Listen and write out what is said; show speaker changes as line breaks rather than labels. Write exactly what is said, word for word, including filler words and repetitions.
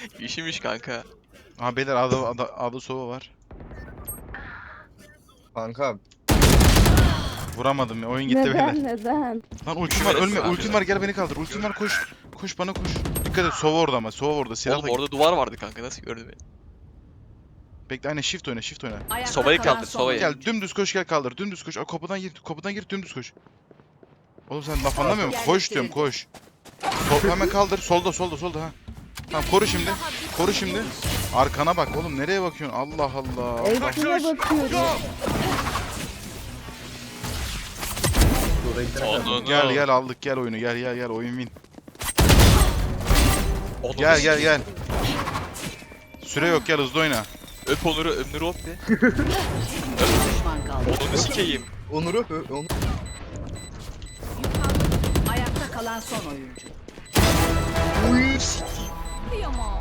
İşimiş kanka.
Aha beyler A'da, A'da, A'da sova var.
Kanka
Vuramadım ya, oyun gitti beyler.
Neden neden?
Lan ultim var, ölme,
Şerefsiz
ultim
abi.
var, gel beni kaldır. Ultim var, koş. Koş bana koş. Dikkat et, sova orada ama, sova orada. Silahla.
Oğlum orada duvar vardı kanka, nasıl gördü beni?
Bekle, aynen shift oyna, shift oyna.
Ayakta
Sobayı
kalan
kaldır,
son
sobayı.
Gel
oyuncu.
dümdüz koş, gel kaldır. Dümdüz koş. O kapıdan gir, kapıdan gir, dümdüz koş. Oğlum sen laf anlamıyor musun? Koş diyorum, koş. Sol, hemen kaldır. Solda, solda, solda ha. Tamam, koru şimdi. Koru şimdi. Arkana bak oğlum, nereye bakıyorsun? Allah Allah. Allah.
Eğitime bakıyorum.
Onun.
Gel gel aldık, gel oyunu, gel gel gel, oyun win.
Onu
Gel gel gel. Süre yok, gel hızlı oyna.
Öp Onur'u, Ömr'ü öp de.
Düşman kaldı.
Onur'u sikeyim.
Onur'u ö- Onur.
Ayakta kalan son oyuncu.
Uy, s-